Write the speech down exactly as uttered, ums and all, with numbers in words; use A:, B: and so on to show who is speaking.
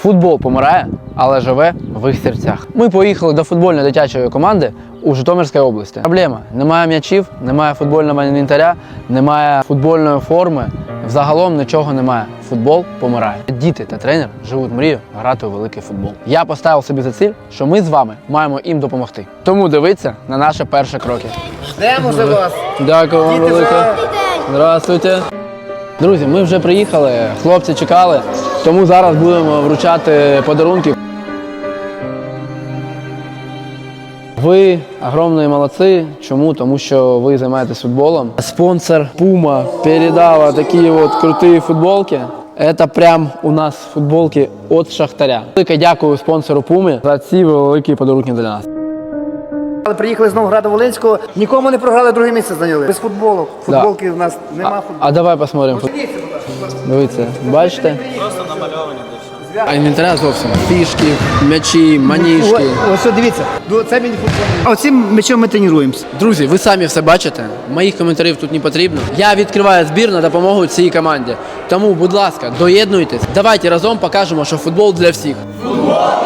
A: Футбол помирає, але живе в їх серцях. Ми поїхали до футбольної дитячої команди у Житомирській області. Проблема – немає м'ячів, немає футбольного інвентаря, немає футбольної форми. Взагалом нічого немає. Футбол помирає. Діти та тренер живуть мрію грати у великий футбол. Я поставив собі за ціль, що ми з вами маємо їм допомогти. Тому дивіться на наші перші кроки.
B: Ждемо за вас.
A: Дякую вам
B: Діти
A: велике.
B: вже-
A: Здравствуйте. Друзі, ми вже приїхали, хлопці чекали, тому зараз будемо вручати подарунки. Ви огромні молодці. Чому? Тому що ви займаєтесь футболом. Спонсор Puma передала такі от круті футболки. Це прям у нас футболки від Шахтаря. Велике дякую спонсору Puma за ці великі подарунки для нас.
B: Але приїхали з Новограда-Волинського, нікому не програли, друге місце зайняли. Без футболу. Футболки в нас нема
A: А,
B: футболу.
A: а давай посмотримо. Дивіться, бачите?
C: Просто намальовані дещо.
A: А інвентаря зовсім. Фішки, м'ячі, маніжки.
B: Ось, ось дивіться, це міні-футбол. А оцим м'ячом ми тренуємося.
A: Друзі, ви самі все бачите. Моїх коментарів тут не потрібно. Я відкриваю збір на допомогу цій команді. Тому, будь ласка, доєднуйтесь. Давайте разом покажемо, що футбол для всіх. Футбол!